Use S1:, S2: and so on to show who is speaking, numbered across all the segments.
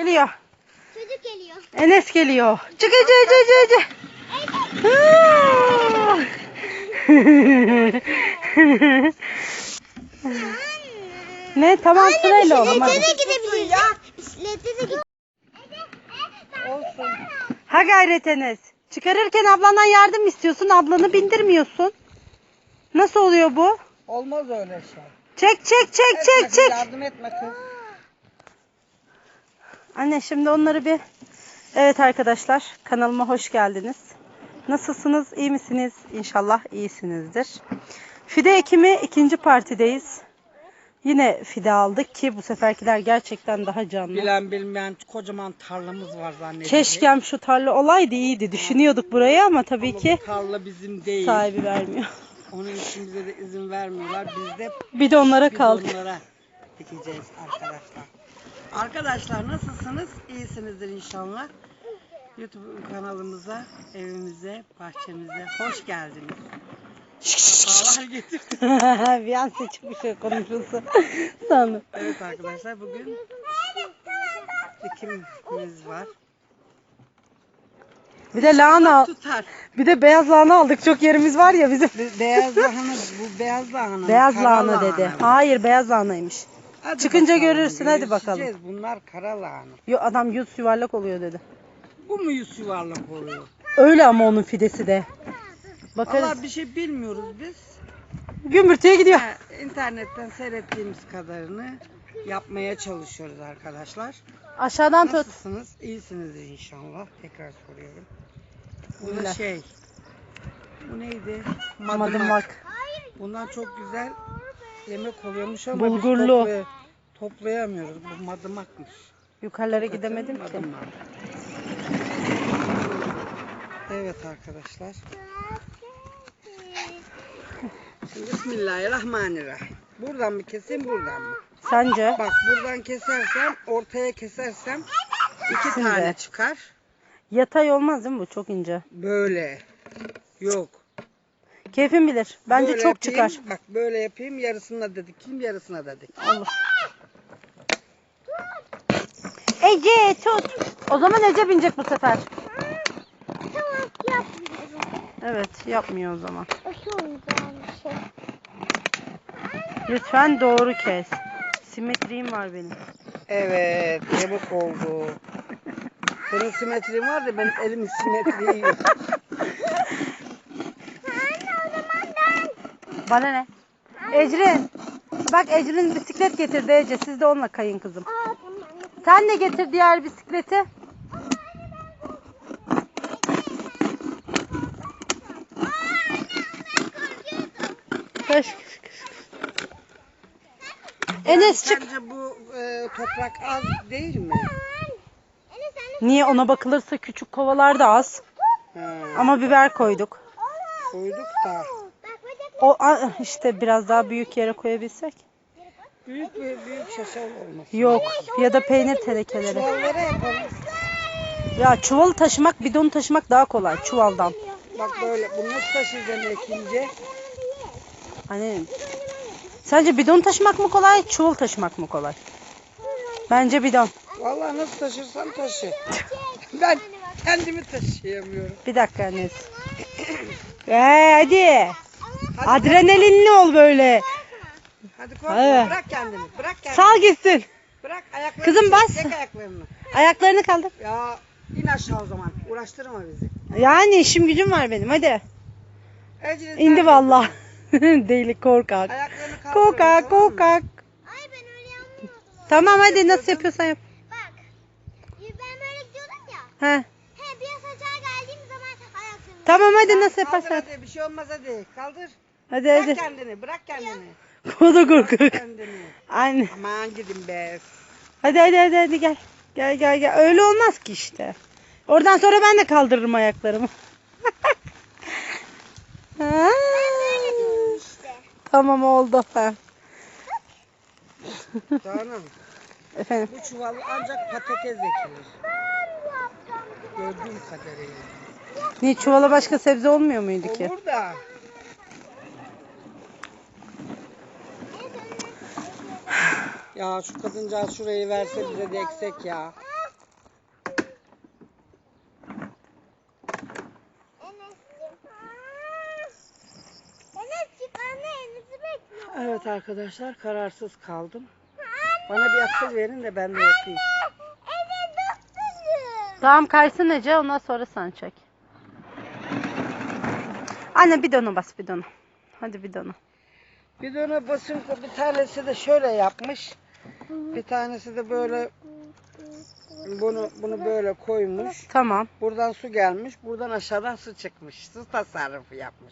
S1: geliyor.
S2: Çocuk geliyor.
S1: Enes geliyor. Çık Ece Ece. Ne tamam sırayla oğlum hadi.
S2: Bisiklete de gidebiliriz ya. Bisiklete de gidebiliriz.
S1: Olsun. Ha gayret Enes. Çıkarırken ablandan yardım istiyorsun. Ablanı bindirmiyorsun. Nasıl oluyor bu?
S3: Olmaz öyle şey.
S1: Çek.
S3: Yardım etme kız.
S1: Anne şimdi onları bir... Evet arkadaşlar kanalıma hoş geldiniz. Nasılsınız? İyi misiniz? İnşallah iyisinizdir. Fide ekimi ikinci partideyiz. Yine fide aldık ki bu seferkiler gerçekten daha canlı.
S3: Bilen bilmeyen kocaman tarlamız var zannediyorum.
S1: Keşkem şu tarla olaydı iyiydi. Düşünüyorduk burayı ama tabii ki
S3: Bu tarla bizim değil.
S1: sahibi vermiyor.
S3: Onun için bize de izin vermiyorlar. Biz de
S1: Bidonlara kaldık.
S3: bidonlara dikeceğiz arkadaşlar. Arkadaşlar nasılsınız? İyisinizdir inşallah. YouTube kanalımıza, evimize, bahçemize hoş geldiniz. Sefalar getirdiniz.
S1: Bir an seçip bir şey konuşulsa sandım.
S3: Evet arkadaşlar bugün dikimimiz var.
S1: Bir de lahana,
S3: Tutar.
S1: bir de beyaz lahana aldık. Çok yerimiz var ya bizim.
S3: Beyaz lahana, bu beyaz lahana.
S1: Beyaz
S3: kara
S1: lahana dedi.
S3: lahana.
S1: Hayır beyaz lahanaymış.
S3: Hadi
S1: Çıkınca
S3: bakalım,
S1: görürsün, hadi bakalım.
S3: görüşeceğiz. Bunlar kara lahana.
S1: Yo, adam yüz yuvarlak oluyor dedi.
S3: Bu mu yüz yuvarlak oluyor?
S1: Öyle ama onun fidesi de. Bakarız.
S3: Vallahi bir şey bilmiyoruz biz.
S1: Gümbürtüye gidiyor.
S3: İnternetten seyrettiğimiz kadarını yapmaya çalışıyoruz arkadaşlar.
S1: Aşağıdan tut.
S3: Nasılsınız? İyisinizdir inşallah. Tekrar soruyorum. Bu da şey. Bu neydi?
S1: Madımak.
S3: Bundan çok güzel yemek oluyormuş ama
S1: Bulgurlu.
S3: biz toplayamıyoruz. Bu madımakmış.
S1: Yukarılara gidemedim ki.
S3: Madımak. Evet arkadaşlar. Şimdi Bismillahirrahmanirrahim. Buradan mı keseyim, buradan mı?
S1: Sence?
S3: Bak buradan kesersem, ortaya kesersem iki
S1: Şimdi.
S3: tane çıkar.
S1: Yatay olmaz değil mi bu? Çok ince.
S3: Böyle. Yok.
S1: Keyfin bilir. Bence
S3: Böyle
S1: çok
S3: yapayım,
S1: çıkar.
S3: Bak böyle yapayım, yarısına da dikeyim, yarısına da dikeyim.
S1: Olur. Ece tut. O zaman Ece binecek bu sefer.
S2: Tamam yapmıyorum.
S1: Evet yapmıyor o zaman.
S2: Şu olacağım bir şey.
S1: Lütfen doğru kes. Simetriğim var benim.
S3: Evet, yamuk oldu. Senin simetrin var da benim elimin simetriği yok.
S1: Bana ne? Ecrin. Bak Ecrin bisiklet getirdi Ece. Siz de onunla kayın kızım. Sen de getir diğer bisikleti. Koş. Enes çık.
S3: Sence bu toprak az değil mi?
S1: Niye ona bakılırsa küçük kovalar da az.
S3: Ha,
S1: Ama biber koyduk.
S3: koyduk da.
S1: O işte biraz daha büyük yere koyabilsek.
S3: Büyük şaşal olmasın.
S1: Yok ya da peynir tenekeleri.
S3: Çuvallara yapalım.
S1: Ya çuvalı taşımak, bidonu taşımak daha kolay çuvaldan.
S3: Bak böyle bunu nasıl taşıyacağım ekince?
S1: Hani sence bidon taşımak mı kolay, çuval taşımak mı kolay? Bence bidon.
S3: Vallahi nasıl taşırsan taşı. Ben kendimi taşıyamıyorum.
S1: Bir dakika annesi. Hadi. Adrenalinli ol böyle.
S3: Hadi korkma,
S1: Hadi.
S3: bırak kendini. Bırak kendini.
S1: Sal gitsin.
S3: Bırak ayaklarını.
S1: Kızım bas.
S3: Çek ayaklarını.
S1: Ayaklarını kaldır.
S3: Ya in aşağı o zaman. Uğraştırma bizi.
S1: Yani işim gücüm var benim hadi.
S3: Ecrin,
S1: İndi
S3: sen
S1: vallahi. Deli korkak.
S3: ayaklarını kaldır.
S1: Korkak
S3: tamam mı?
S1: korkak.
S2: Ay ben öyle yapmıyorum.
S1: Tamam hadi nasıl yapıyorsan yap.
S2: Bak. Ben böyle gidiyordum ya.
S1: He.
S2: Biraz aşağı geldiğim zaman ayaklarımı.
S1: Tamam hadi
S3: Kaldır,
S1: nasıl yaparsan yap.
S3: hadi. Bir şey olmaz hadi. Kaldır.
S1: Hadi
S3: Bırak
S1: hadi.
S3: kendini. Bırak kendini.
S1: O da
S3: Bırak
S1: korkak.
S3: kendini.
S1: Anne.
S3: Aman gidin be.
S1: Hadi gel. Gel. Öyle olmaz ki işte. Oradan sonra ben de kaldırırım ayaklarımı. Ha.
S2: İşte.
S1: Tamam oldu. Ha.
S3: Canım.
S1: Efendim.
S3: Bu çuval ancak patates ekilir. Gördüğüm kadarıyla.
S1: Niye çuvala başka sebze olmuyor muydu ki?
S3: Olur da. Ya şu kadıncağız şurayı verse bize de eksek ya. Evet arkadaşlar, kararsız kaldım. Bana bir akıl verin de ben de yapayım.
S2: Evet doktorum.
S1: Tamam kaysın Ece, ondan sonra sen çek. Anne bidona bas, bidona. Hadi bidona.
S3: Bidona basın, bir tanesi de şöyle yapmış. Bir tanesi de böyle bunu böyle koymuş.
S1: Tamam.
S3: Buradan su gelmiş. Buradan aşağıdan su çıkmış. Su tasarrufu yapmış.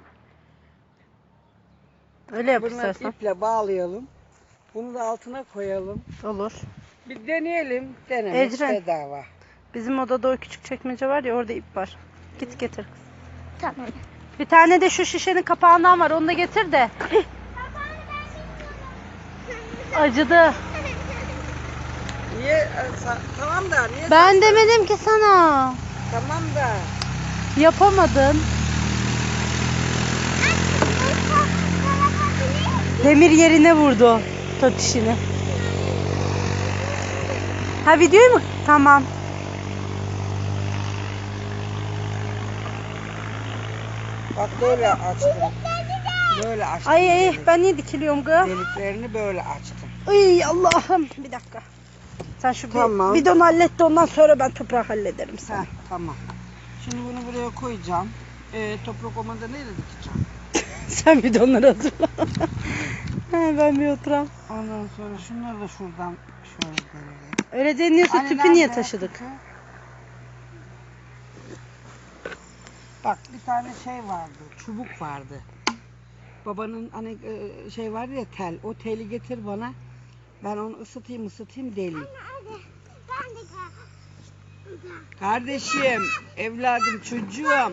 S1: Öyle yap
S3: Bunu
S1: istersen.
S3: iple bağlayalım. Bunu da altına koyalım.
S1: Olur.
S3: Bir deneyelim. Denemek
S1: Ecren.
S3: bedava.
S1: Bizim odada o küçük çekmece var ya, orada ip var. Git getir kız.
S2: Tamam.
S1: Bir tane de şu şişenin kapağından var, onu da getir de. Acıdı.
S3: Niye? Tamam da niye?
S1: Ben demedim ki sana.
S3: Tamam da.
S1: Yapamadın. Demir yerine vurdu totişini. Ha, videoyu mu? Tamam.
S3: Bak böyle açtım. Böyle açtım.
S1: Ay
S3: delik.
S1: ben niye dikiliyorum kız?
S3: Deliklerini böyle açtım.
S1: Ay Allah'ım, bir dakika. Sen şu
S3: Tamam.
S1: bidonu hallet de ondan sonra ben toprağı hallederim sana.
S3: Heh, tamam. Şimdi bunu buraya koyacağım. Toprak olmadan neyle dikeceğim?
S1: Sen bidonları hazırla. Ben bir oturayım.
S3: Ondan sonra şunları da şuradan şöyle görelim.
S1: Öyle deniyorsa
S3: Anne
S1: tüpü niye
S3: nerede?
S1: taşıdık?
S3: Tüpü. Bak bir tane şey vardı, çubuk vardı. Babanın hani şey vardı ya, tel. O teli getir bana. Ben onu ısıtayım deleyim.
S2: Ben de
S3: Kardeşim, evladım, çocuğum.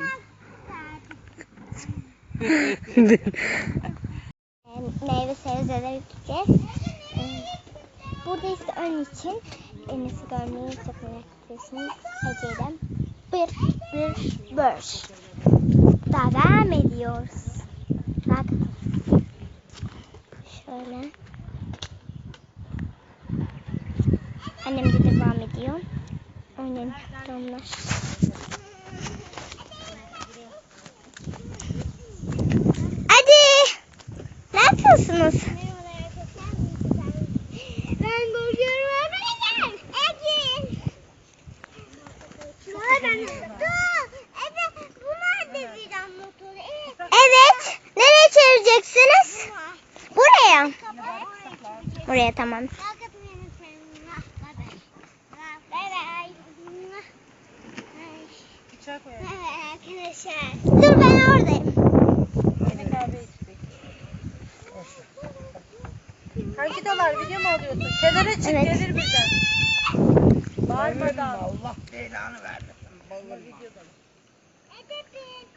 S2: meyve sebzeleri gideceğiz. Buradayız onun için nasıl görmeyi çok merak ediyorsunuz. Ece'den bir. Devam ediyoruz. Bak. Şöyle. Annem de devam ediyor. Aynen. Onlar. Hadi. Ne yapıyorsunuz? Ben bozuyorum öğretmenim. Ecin. Evet, bunlar da viran motoru. Evet. Nereye çevireceksiniz? Buraya. Buraya tamam. Arkadaşlar. Dur ben oradayım.
S1: Hangi dolar video mu alıyorsun? Kenara çık,
S2: Evet.
S1: gelir bizden. Bağırmadan.
S3: Allah belanı vermesin. Bağırma.
S2: Edepin.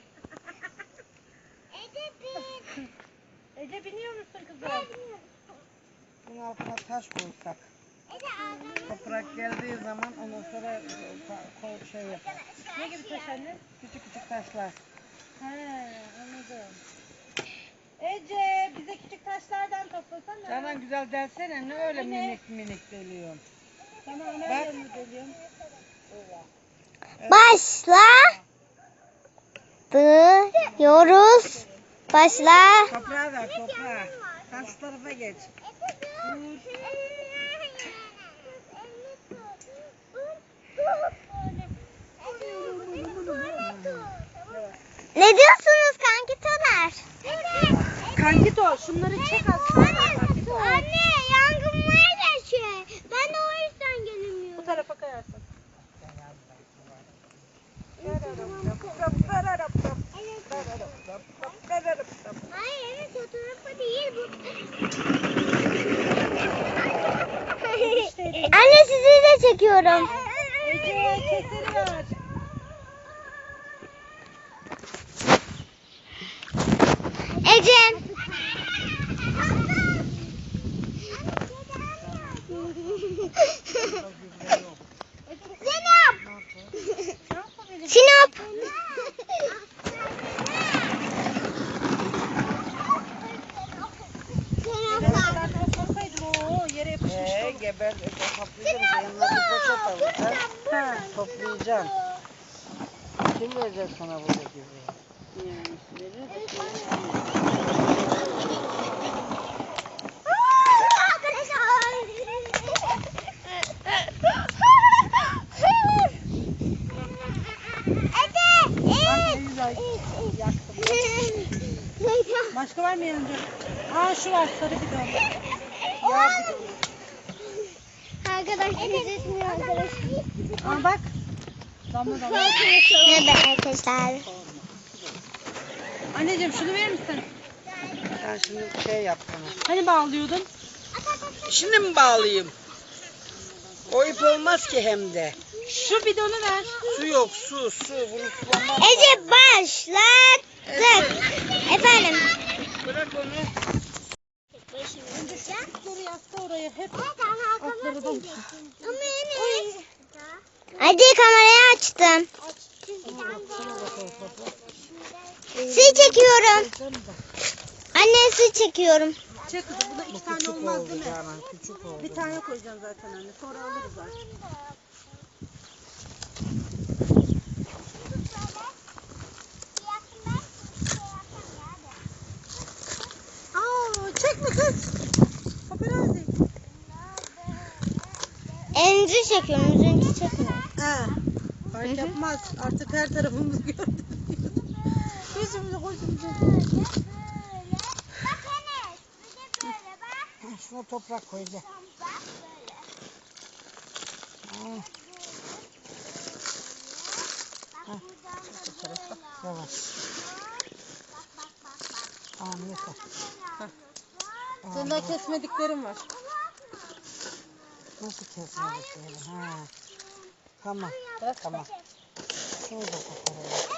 S2: Edepin.
S1: Ece biniyor musun kızım?
S3: Bunun altına taş koysak.
S2: Ece ağzını.
S3: Toprak geldiği zaman ondan sonra şey yapar.
S1: Ne gibi taş anne?
S3: Küçük küçük taşlar.
S1: He, anladım. Ece bize küçük taşlardan toplasana.
S3: Canan güzel dersene, ne öyle minik minik deliyorsun.
S1: Sana
S3: Bak.
S1: ana yanını deliyorum.
S2: Başla. Diyoruz. Başla.
S3: Toprağa ver, toprağa. Sen şu tarafa geç.
S2: Ne diyorsunuz kankitolar?
S1: Kankito şunları çek aslında.
S2: Anne yangın var ya şey. Ben de o yüzden gelemiyorum.
S1: Bu tarafa kayarsın.
S2: Hayır evet o tarafa değil bu. Anne sizi de çekiyorum.
S1: Ece keseri ver.
S2: Ecem. Sinop. Sinop.
S1: Yere yapışmış.
S3: Geber, toplayacağım. Yanına bir poşet alacağım.
S1: Ha.
S3: Toplayacağım. Kim verecek sana buradaki?
S1: Başka var mı yanında? Aa şu var sarı bidon. Yağ bidonu.
S2: Arkadaşlar izletmiyor arkadaşlar.
S1: Aa bak. Damla damla.
S2: Ne be arkadaşlar.
S1: Anneciğim şunu verir misin?
S3: Sen şimdi şey yap bana.
S1: Hani bağlıyordun?
S3: Şimdi mi bağlayayım? O ip olmaz ki hem de.
S1: Şu bidonu ver.
S3: Su yok, su. Bunu sulamam.
S2: Ece başlattık. Efendim.
S3: Bırak onu.
S1: Önce şu ipleri yasta oraya hep.
S2: Hadi kamerayı açtım. Su çekiyorum. Anne su çekiyorum.
S1: Çek kızım buna 2 tane
S3: Küçük
S1: olmaz
S3: oldu
S1: değil mi?
S3: Canan, küçük oldu.
S1: Bir tane koyacağım zaten anne. Sonra alırız artık. Aa, çekme kız. Paparazzi.
S2: Elinizi çekiyorum. Yüzünüzü çekmiyorum.
S1: Ha. Fark yapmaz. Artık her tarafımız gördü. Yüzümüzü koşumuzu.
S3: Şuna toprak koyacağım. Yavaş. Tamam yeter.
S1: Senin daha kesmediklerin var.
S3: Nasıl kesmedik böyle? Ha. Tamam.
S1: Bırak.
S3: Tamam. Şunu da koparalım.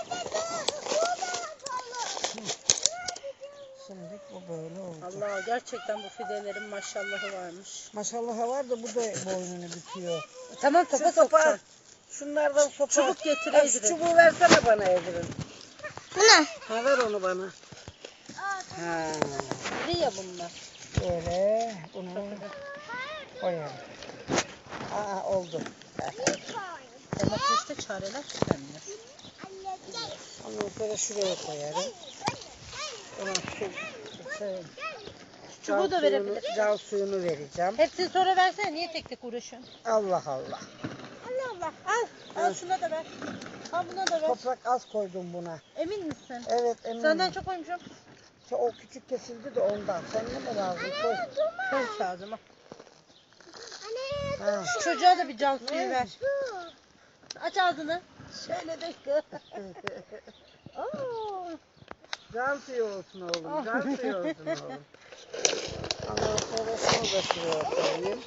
S3: Şimdi bu böyle oldu.
S1: Allah gerçekten bu fidelerin maşallahı varmış.
S3: Maşallah var da bu da boynunu büküyor.
S1: Tamam topa
S3: Şu sopa,
S1: sokacağım.
S3: şunlardan sopa.
S1: Çubuk getir
S3: Ha, şu
S1: Ecrin.
S3: çubuğu versene bana Ecrin.
S2: Buna.
S3: Ha ver onu bana. Ha.
S1: İri ya bunlar.
S3: Böyle bunu koyalım. Aa oldu.
S1: Domateste çareler tükenmiyor.
S3: Ondan sonra şuraya koyarım. Ona su, şey,
S1: Çubuğu da verebilir.
S3: Cal suyunu vereceğim.
S1: Hepsini sonra versene. Niye tek tek uğraşıyorsun?
S3: Allah Allah.
S1: Allah Allah. Al. Al şuna da ver. Al buna da ver.
S3: Toprak az koydum buna.
S1: Emin misin?
S3: Evet eminim.
S1: Senden çok koymuşum.
S3: O küçük kesildi de ondan. Senin mi lazım? Koy.
S1: Koy lazım. Al.
S3: Ha.
S1: Şu çocuğa da bir can suyu ver. Aç ağzını. Şöyle de kız. Oo.
S3: Can suyu olsun oğlum. Can suyu olsun oğlum. Ondan sonra şunu da şuraya koyayım.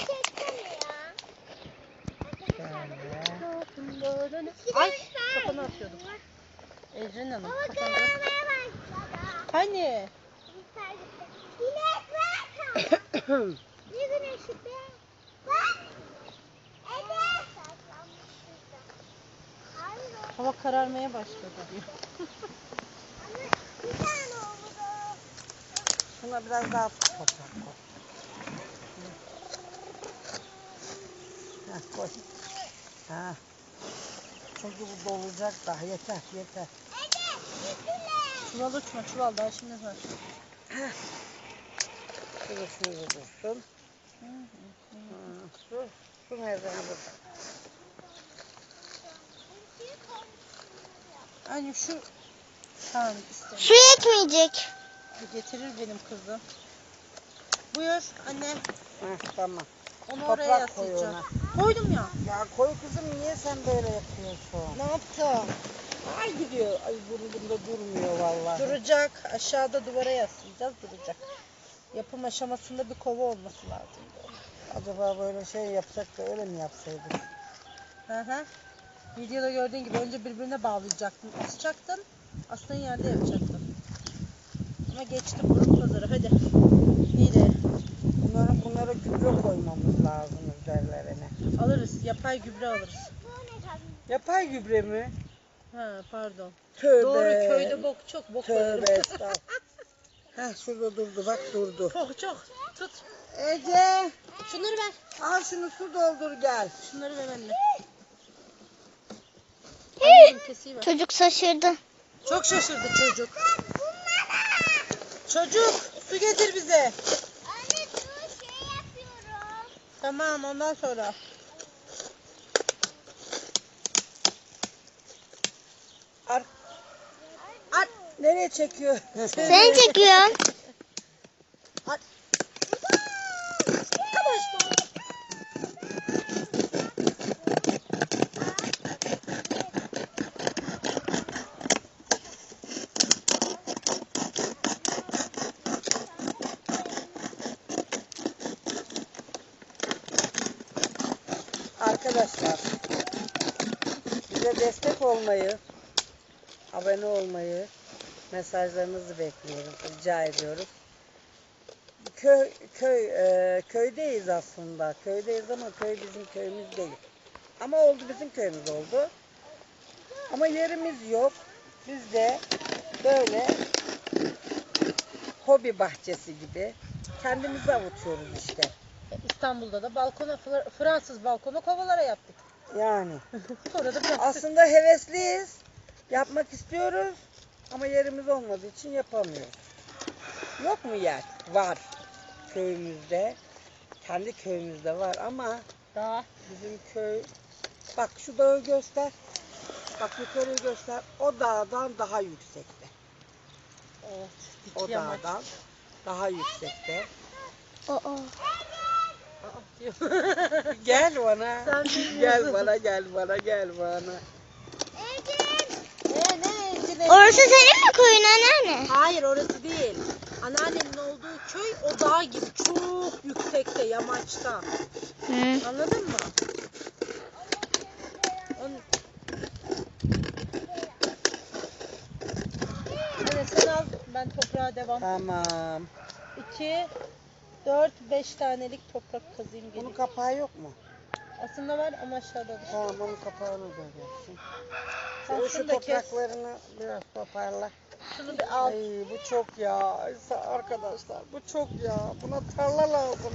S3: Şöyle.
S1: Ay kafanı atıyordum. Ecrin Hanım kafanı. Hani?
S2: Ne güneşi be? Bak. Ece.
S1: Hava kararmaya başladı diyor.
S2: Bir tane oldu.
S3: Şuna biraz daha toprak koy. Heh, koy. Ha. Çünkü bu dolacak daha. Yeter yeter.
S1: Çuval uçma çuval daha şimdi var.
S3: Şurada şurada dursun. Su nereden burada?
S1: Anne şu tamam istedim.
S2: Su yetmeyecek.
S1: Getirir benim kızım. Buyur anne.
S3: Heh, tamam.
S1: Onu
S3: Toprak
S1: oraya
S3: koy
S1: yaslayacağım.
S3: ona.
S1: Koydum ya.
S3: Ya koy kızım niye sen böyle yapıyorsun?
S1: Ne yaptım?
S3: Ay gidiyor. Ay burnumda durmuyor vallahi.
S1: Duracak. Aşağıda duvara yaslayacağız duracak. Yapım aşamasında bir kova olması lazım.
S3: Acaba böyle şey yapsak da öyle mi yapsaydık?
S1: Hı hı. Videoda gördüğün gibi önce birbirine bağlayacaktın. Asacaktın. Astığın yerde yapacaktın. Ama geçtim burun pazarı. Hadi. İyi de.
S3: Bunlara gübre koymamız lazım üzerlerine.
S1: Alırız. Yapay gübre alırız.
S3: Yapay gübre mi?
S1: Ha pardon.
S3: Tövbe.
S1: Doğru köyde bok çok bok
S3: Tövbe
S1: koyarım.
S3: estağfurullah. Heh şurada durdu bak durdu.
S1: Çok. Tut.
S3: Ece
S1: Şunları ver.
S3: al şunu su doldur gel.
S1: Şunları ver anne. Anneciğim kesiyi ver.
S2: Çocuk şaşırdı.
S1: Çok şaşırdı çocuk. Çocuk su getir bize.
S2: Anne dur şey yapıyorum.
S1: Tamam ondan sonra. Ar.
S3: Nereye çekiyor?
S2: Seni çekiyorum.
S3: Arkadaşlar, bize destek olmayı, abone olmayı, mesajlarınızı bekliyoruz, rica ediyoruz. Köydeyiz aslında. Köydeyiz ama köy bizim köyümüz değil. Ama oldu, bizim köyümüz oldu. Ama yerimiz yok. Biz de böyle hobi bahçesi gibi kendimizi avutuyoruz işte.
S1: İstanbul'da da balkona, Fransız balkona kovalara yaptık.
S3: Yani.
S1: Orada bıraktık.
S3: Aslında hevesliyiz. Yapmak istiyoruz. Ama yerimiz olmadığı için yapamıyoruz. Yok mu yer? Var. Köyümüzde. Kendi köyümüzde var ama
S1: Daha.
S3: bizim köy... Bak şu dağı göster. Bak yukarıyı göster. O dağdan daha yüksekte.
S1: Evet.
S3: O dağdan daha yüksekte.
S2: Oo.
S3: Gel bana.
S1: Sen bilmiyorsun.
S3: Gel bana, gel bana, gel bana.
S2: Orası senin mi koyun anneanne?
S1: Hayır, orası değil. Anneannemin olduğu köy o dağ gibi çok yüksekte, yamaçta.
S2: Hı.
S1: Anladın mı? Evet, sen al, ben toprağa devam.
S3: Tamam.
S1: 2, 4, 5 tanelik toprak kazayım
S3: Bunun
S1: geleyim.
S3: kapağı yok mu?
S1: Aslında var ama aşağıda.
S3: Tamam, onun kapağını da yapsın.
S1: Sen
S3: Şu
S1: şunu da kes.
S3: topraklarını biraz toparla.
S1: Şunu bir al.
S3: Ay bu çok ya. Arkadaşlar bu çok ya. Buna tarla lazım.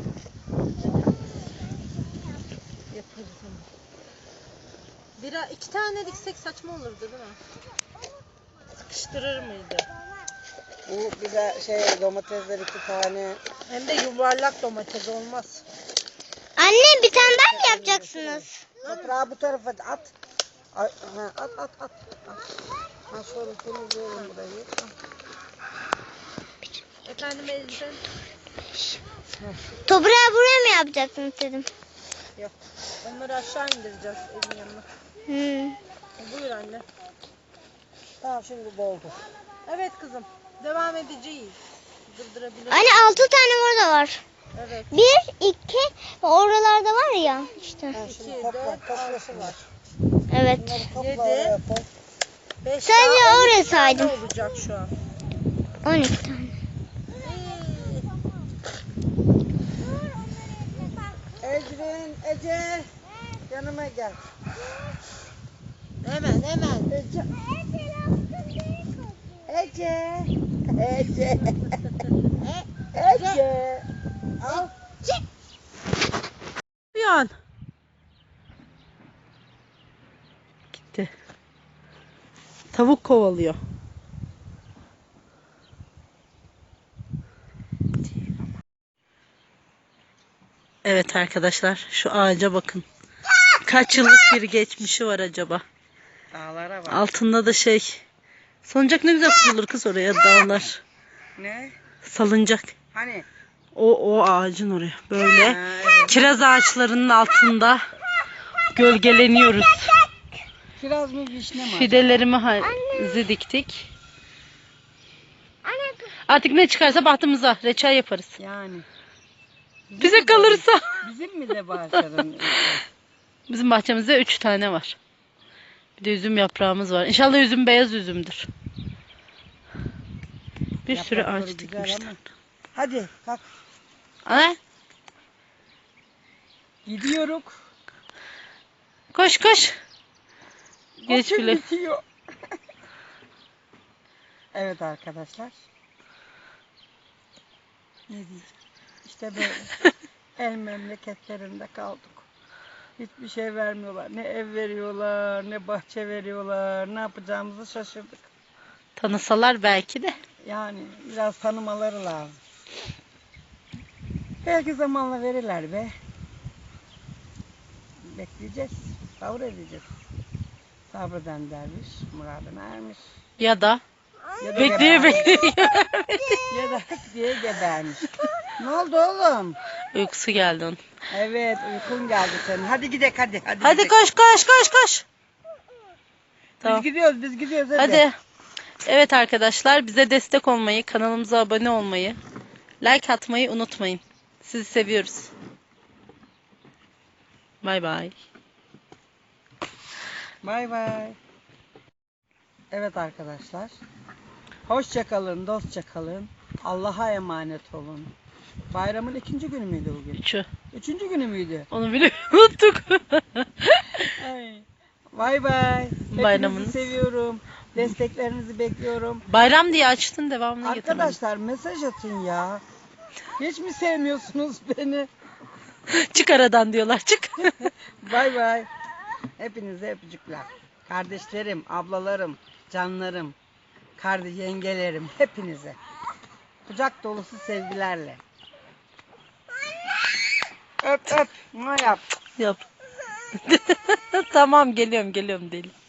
S1: Yaparız onu. Bir, 2 tane diksek saçma olurdu değil mi? Sıkıştırır mıydı?
S3: Bu bir de domatesler 2 tane.
S1: Hem de yuvarlak domates olmaz.
S2: Anne bir tane daha mı yapacaksınız?
S3: Toprağı bu tarafa at. Ay, at. Ha şöyle temizleyelim burayı.
S1: Efendim elbisen?
S2: Toprağı buraya mı yapacaksınız dedim.
S1: Yok. Onları aşağı indireceğiz evin yanına.
S2: Hı.
S1: Buyur anne.
S3: Tamam şimdi doldu.
S1: Evet kızım. Devam edeceğiz. Durdurabiliriz.
S2: Anne 6 tane orada var.
S1: Evet.
S2: 1, 2 oralarda var ya işte.
S3: Ha,
S1: 2,
S3: şimdi
S1: 4,
S3: topla,
S1: 6
S3: toplasın
S1: var.
S2: Evet.
S3: Bunları topla
S1: Yedi.
S3: oraya koy.
S1: 5
S2: Sadece
S1: daha
S2: oraya
S1: 12 tane
S2: saydım.
S1: olacak şu an.
S2: 12 tane.
S3: Ecrin, Ece. Yanıma gel.
S1: Hemen.
S3: Ece. Ece. Ece. Al.
S1: Bir an. Gitti. Tavuk kovalıyor. Evet arkadaşlar, şu ağaca bakın. Kaç yıllık bir geçmişi var acaba?
S3: Dağlara bak.
S1: Altında da salıncak ne güzel kurulur kız oraya, dağlar.
S3: Ne?
S1: Salıncak.
S3: Hani?
S1: O ağacın oraya. Böyle
S3: Ha, evet.
S1: kiraz ağaçlarının altında gölgeleniyoruz.
S3: Kiraz mı vişne mi?
S1: Fidelerimizi diktik. Artık ne çıkarsa bahtımıza reçel yaparız.
S3: Yani.
S1: Bize kalırsa.
S3: Bizim mi de bahçeden?
S1: Bizim bahçemizde 3 tane var. Bir de üzüm yaprağımız var. İnşallah üzüm beyaz üzümdür. Bir sürü
S3: Yaprakları
S1: ağaç
S3: güzel
S1: dikmişler.
S3: ama. Hadi kalk.
S1: Ana,
S3: Gidiyoruz.
S1: koş. Geç
S3: Vakit
S1: bile.
S3: bitiyor. Evet arkadaşlar. Ne diyeceğim? İşte böyle. El memleketlerinde kaldık. Hiçbir şey vermiyorlar. Ne ev veriyorlar, ne bahçe veriyorlar. Ne yapacağımızı şaşırdık.
S1: Tanısalar belki de.
S3: Yani biraz tanımaları lazım. Belki zamanla verirler be. Bekleyeceğiz. Sabredeceğiz. Sabreden derviş muradına ermiş.
S1: Ya da
S3: Ya da
S1: Bekliyor
S3: gebermiş.
S1: bekliyor.
S3: Ya da hık diye gebermiş. Ne oldu oğlum?
S1: Uykusu geldi onun.
S3: Evet uykun geldi senin. Hadi gidelim hadi.
S1: Hadi
S3: gidelim.
S1: koş koş koş koş. Tamam.
S3: Biz gidiyoruz hadi.
S1: Hadi. Evet arkadaşlar, bize destek olmayı, kanalımıza abone olmayı, like atmayı unutmayın. Sizi seviyoruz. Bay bay.
S3: Bay bay. Evet arkadaşlar. Hoşça kalın, dostça kalın. Allah'a emanet olun. Bayramın 2. günü müydü bugün?
S1: 3'ü.
S3: 3. günü müydü?
S1: Onu bile unuttuk.
S3: Ay. Bay bay.
S1: Bayramınız.
S3: Hepinizi seviyorum. Desteklerinizi bekliyorum.
S1: Bayram diye açtın, devamını getirmedin.
S3: Arkadaşlar mesaj atın ya. Hiç mi sevmiyorsunuz beni?
S1: Çık aradan diyorlar, çık.
S3: Bay bay. Hepinize öpücükler. Kardeşlerim, ablalarım, canlarım, yengelerim, hepinize. Kucak dolusu sevgilerle. Öp öp. Ne yap?
S1: Yap. Tamam, geliyorum deli.